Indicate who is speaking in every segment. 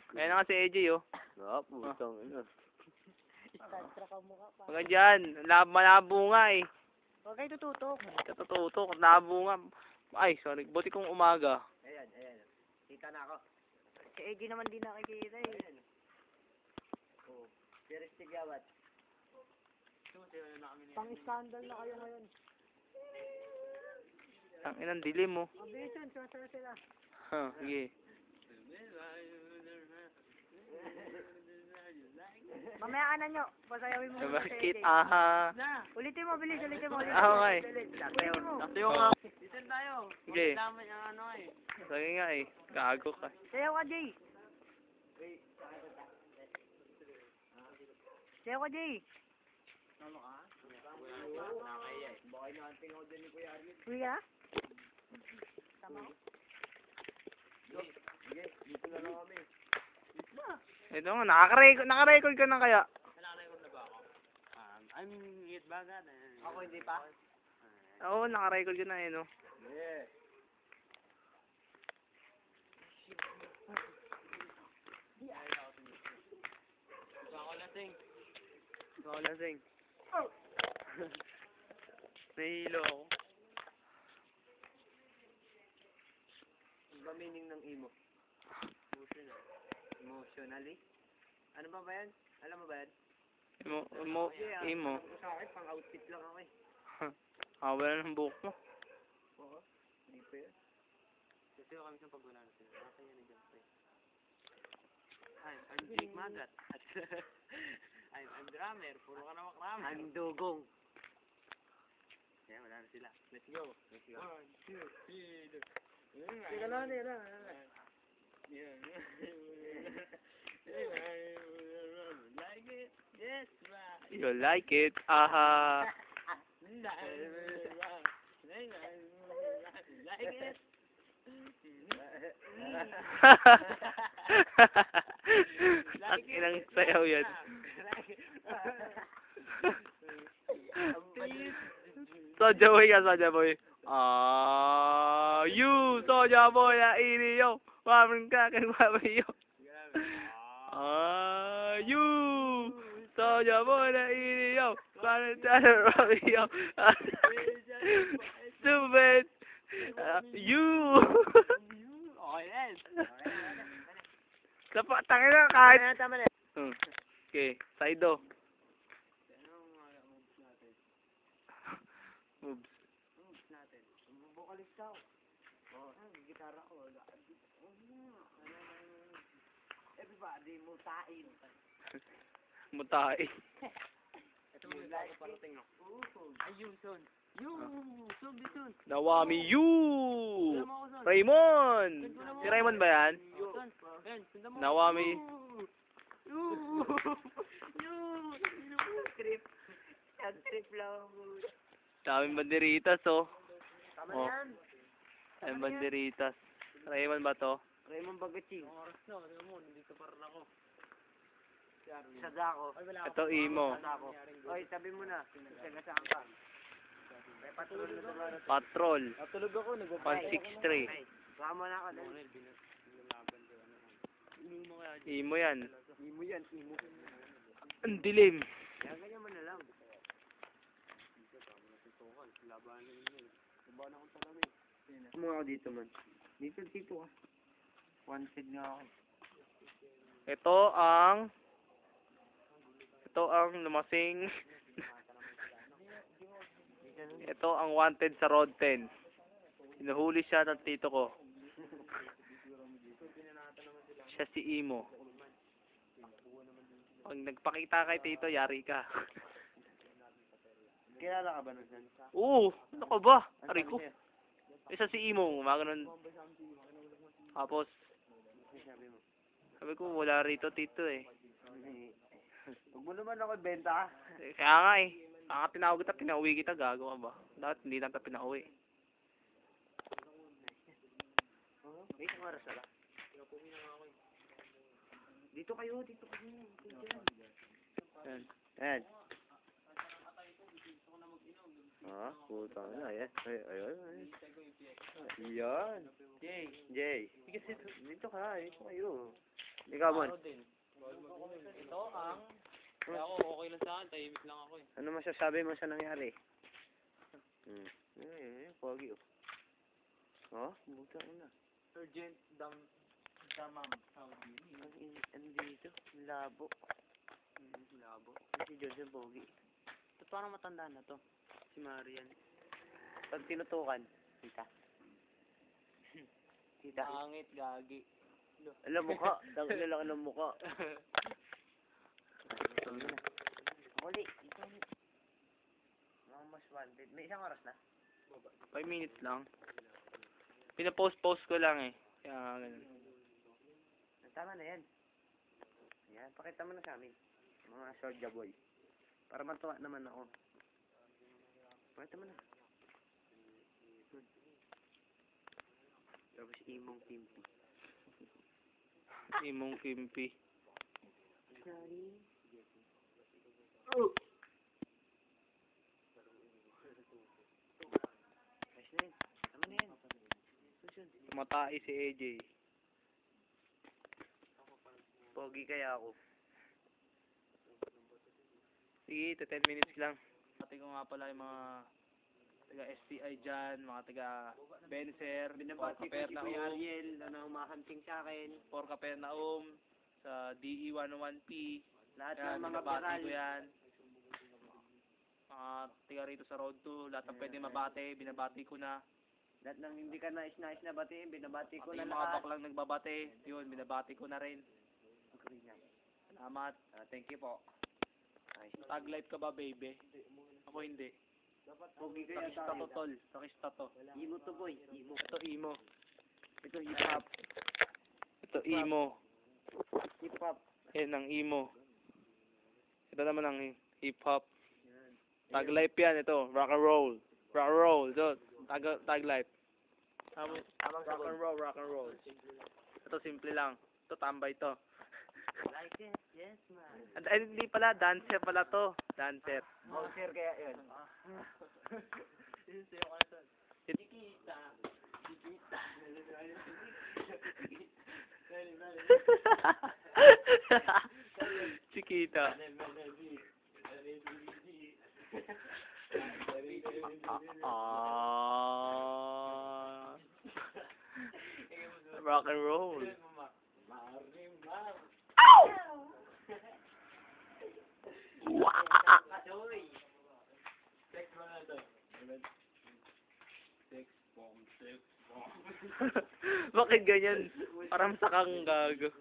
Speaker 1: Ayan na nga si AJ, oh.
Speaker 2: Ah, putang ina.
Speaker 3: Starstruck ang mukha pa.
Speaker 1: Mga dyan, malabo nga eh.
Speaker 3: Huwag kayo tututok.
Speaker 1: Katututok, malabo nga. Ay, sorry. Buti kong umaga.
Speaker 2: Ayan. Kita na ako.
Speaker 3: Si AJ naman di nakikita eh.
Speaker 2: Oh, pero sigawat.
Speaker 3: Pang-scandal na kayo ngayon.
Speaker 1: Ang inang dilim mo.
Speaker 3: Mabilis yun, sumasara sila.
Speaker 1: Huh, sige.
Speaker 3: Mamaya ka na nyo. Pasayawin mo muna si
Speaker 1: Bakit?
Speaker 3: AJ.
Speaker 1: Aha.
Speaker 3: Ulitin mo, bilis, ulitin mo.
Speaker 1: Okay.
Speaker 3: Ulitin mo.
Speaker 1: Yung
Speaker 3: Listen tayo.
Speaker 1: Sige.
Speaker 3: Magdamay ang ano eh.
Speaker 1: Sige nga eh. Gago ka.
Speaker 3: Sayaw ka, Jay. Sayaw ka, Jay. Kuya? Tama ko?
Speaker 1: Ito nga, naka-record ka na kaya.
Speaker 3: I'm hit bagad.
Speaker 2: Ako hindi pa?
Speaker 1: Oo, naka-record ka na eh, no?
Speaker 2: Yeah.
Speaker 1: Ako lasing. Nahihilo ako.
Speaker 2: Ano ba meaning ng emo? Emotionally? Ano ba yan? Alam mo ba yan?
Speaker 1: Imo.
Speaker 2: Sa akin, pang outfit lang ako eh.
Speaker 1: Wala ng buhok mo.
Speaker 2: Oo. Hindi pa yan.
Speaker 3: Kasi kami sa pagwala na sila. Nasa yan dyan. Hi, I'm Jake Magat. I'm drummer. Puro ka na makrama.
Speaker 2: I'm dugong.
Speaker 3: Kaya wala na sila. Let's go.
Speaker 2: 1, 2, 3,
Speaker 3: Teka lang, teka lang.
Speaker 2: Like it? Yes, right.
Speaker 1: You like it? Aha.
Speaker 2: Like it?
Speaker 1: Ang inang sayaw yan. Soja boy ka, Soja boy. You, Soja boy, na iniyo. Wamin ka, kang wabayo. You, Soja boy, na iniyo. Wamin ka, kang wabayo. Stupid. You.
Speaker 3: Okay, yes.
Speaker 1: Tangin na, kahit.
Speaker 3: Tama na.
Speaker 1: Okay, Saido. Moves.
Speaker 3: Natin. Vocalist ka. Oh, gitara ko.
Speaker 2: Everybody, mutain.
Speaker 1: Mutai.
Speaker 3: Ito mo yung like parating no. Ayun, son. Son, bisun.
Speaker 1: Nawami you.
Speaker 3: Sundan mo ako, son.
Speaker 1: Raymond. Si Raymond ba yan?
Speaker 3: Son, Ben, sundan mo.
Speaker 1: Nawami.
Speaker 3: Trip. Trip lang.
Speaker 1: Daming banderitas, oh.
Speaker 3: Tama
Speaker 1: Oh.
Speaker 3: yan.
Speaker 1: Ay, banderitas. Raymond ba to?
Speaker 2: Raymond Bagaching.
Speaker 3: Oras na, ano mo, nandito pa rin ako.
Speaker 2: Sada ako.
Speaker 1: Ito, Imo.
Speaker 2: Sada ako. Oy, sabi mo na. Sagasaan ka. May patrol na naman.
Speaker 1: Patrol.
Speaker 2: Natulog ako.
Speaker 1: 163.
Speaker 2: Sama na ako.
Speaker 1: Imo yan.
Speaker 2: Imo yan. Imo.
Speaker 1: Ang dilim.
Speaker 2: Kaya ganyan mo na lang. Mo ako dito man. Dito ka. One side nga ako.
Speaker 1: Ito ang lumasing. Ito ang wanted sa Road 10. Hinuhuli siya ng tito ko. Siya si Imo. Pag nagpakita kay tito, yari ka.
Speaker 2: Kilala ka ba nun?
Speaker 1: Oo, ano ka ba? Ari ko. Isa si Imo, ganun. Tapos, sabi ko, wala rito tito eh.
Speaker 2: Huwag mo naman ako benta ka.
Speaker 1: Kaya nga eh. Kaya tinawag kita, pinauwi kita, gago ka ba? Dapat hindi natin pinauwi.
Speaker 2: May isang oras na ba? Dito kayo.
Speaker 1: Yan.
Speaker 2: Ayan. Ah, puta na. Ayan. Ayan. Yan. Jay. Dito ka. Dito kayo. Ikaw, Mon.
Speaker 3: din. Ito ang... Kaya ako, okay lang sa akin. Tahimik lang ako eh.
Speaker 2: Ano masasabi mo sa nangyari? Pogi oh. Oh, buta na.
Speaker 3: Urgent damam.
Speaker 2: Ano dito? Labo.
Speaker 3: Labo.
Speaker 2: Si Joseph Pogi. Ito parang matanda na to. Si Marian. Pag tinutukan, kita. Kita.
Speaker 3: Pangit, gagi.
Speaker 2: Alam mukha. Tangin na lang ng mukha. Huli. Mga mas wanted. May isang oras na.
Speaker 1: 5 minutes lang. Pinapost-post ko lang eh. Kaya ganun.
Speaker 2: Tama na yan. Yan, pakita mo na sa amin. Mga Soldier Boy. Para matuwa naman ako. Pakita mo na. Tapos imong timpi.
Speaker 1: Imong Kimpi.
Speaker 2: Sorry. Ayos na yun. Tama na yan. Susunod.
Speaker 1: Tumatai si AJ.
Speaker 2: Pogi kaya ako.
Speaker 1: Sige, 10 minutes lang. Pati ko nga pala yung mga taga STI dyan, mga taga Benser,
Speaker 2: Binabati ko si Kuya Ariel na umahanting sa akin.
Speaker 1: for Capernaum, sa DE 101P.
Speaker 2: Lahat
Speaker 1: Yan,
Speaker 2: ng mga
Speaker 1: binabati
Speaker 2: viral.
Speaker 1: ko yan. Mga taga rito sa Road 2, lahat ng pwede mabati, binabati ko na.
Speaker 2: Lahat ng hindi ka nais na batiin, binabati ko
Speaker 1: Pati
Speaker 2: na
Speaker 1: yung mga
Speaker 2: lahat.
Speaker 1: baklang nagbabati, yun, binabati ko na rin. Salamat.
Speaker 2: Thank you po. Ayos.
Speaker 1: Tag life ka ba, baby? Ako hindi.
Speaker 2: Pogi kaya
Speaker 1: Takista to,
Speaker 2: tayo.
Speaker 1: tol. Takista to.
Speaker 2: Imo to boy. Imo.
Speaker 1: Ito emo.
Speaker 2: Ito hip hop.
Speaker 1: Ito emo.
Speaker 2: Hip hop.
Speaker 1: Yan ang emo. Ito naman ang hip hop. Tag life yan, ito. Rock and roll. Rock and roll. Ito. Tag life. Rock and roll, rock and roll. Ito simple lang. Ito tambay to.
Speaker 2: Like it. Yes, man.
Speaker 1: Ay, hindi pala. Dancer pala to. Dancer.
Speaker 2: Bouncer kaya yun.
Speaker 1: Chiquita. Rock and roll. Bakit ganyan? Parang sakang gago.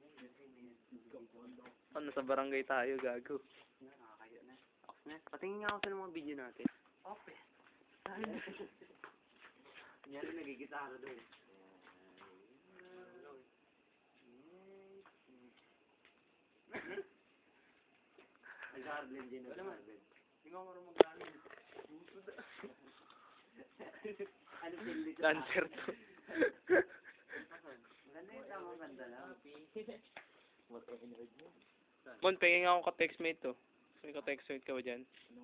Speaker 1: Ano, sa barangay tayo, gago.
Speaker 2: Patingin nga ako sa mga video natin. Open. Yan ang nagigitara doon. Nag-Harlem din. Nag-Harlem. Hindi ko marunong mag-Harlem. Ano pili ko?
Speaker 1: Dancer to.
Speaker 2: Maganda yung tamang ganda lang.
Speaker 1: Mon, pingin nga akong ka-textmate to. May ka-textmate ka ba dyan?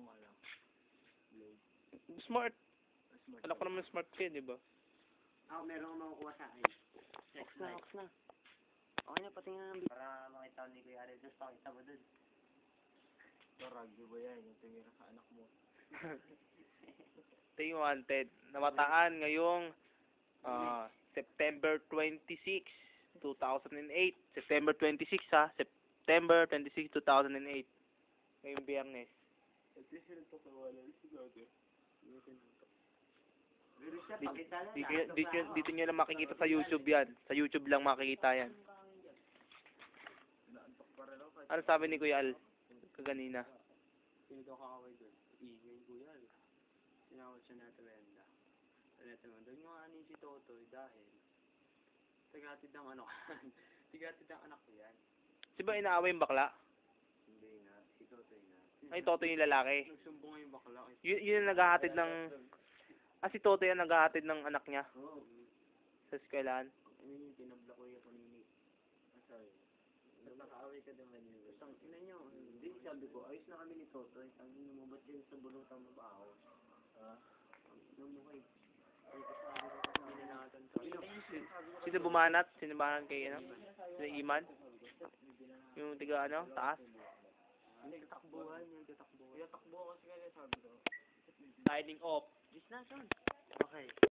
Speaker 1: Smart. Alam ko naman smart ka, di ba?
Speaker 2: Ako meron akong makukuha sa akin. Sex life.
Speaker 3: Ox na.
Speaker 2: Okay na, patingin na ng video. Para makita ko ni Kuya Ariel. Tapos pakita mo dun.
Speaker 3: Ragyo ba yan? Yung tumira sa anak mo.
Speaker 1: Ito yung wanted. Namataan ngayong September 26, 2008. September 26 ha. September 26, 2008. Ngayong biyernes.
Speaker 2: Pero siya, pakita lang.
Speaker 1: Dito nyo lang makikita sa YouTube yan. Sa YouTube lang makikita yan. Ano sabi ni Kuya Al? Kaganina.
Speaker 3: Sino daw kakaway doon? Ingay ko yan. Sinawad siya na Trenda. Doon nga ano si Totoy dahil tagatid ng ano tagatid ng anak ko yan.
Speaker 1: Si ba inaaway yung bakla?
Speaker 3: Hindi nga, si Totoy na.
Speaker 1: Ay, Toto yung lalaki.
Speaker 3: Nagsumbong nga yung bakla.
Speaker 1: Yun yung naghahatid ng... si Toto yung naghahatid ng anak niya.
Speaker 3: Oo.
Speaker 1: Sa eskwelahan.
Speaker 3: Ano yung tinabla ko yung panini. Sorry. Nagkakaaway ka naman yun. Basta, ina nyo.
Speaker 2: Hindi, sabi ko, ayos na kami ni Toto. Ang inumubot din sa bulutang mabaho. Ang inumukay. Ay, kasabi ko kasi hindi na natin.
Speaker 1: Sino bumanat? Sino bumanat kay ano? Sino Iman? Yung tiga ano, taas.
Speaker 3: Hindi, katakbuhan yung katakbuhan. Yung takbo kasi kaya sabi ko.
Speaker 1: Signing off.
Speaker 3: Is na, son. Okay.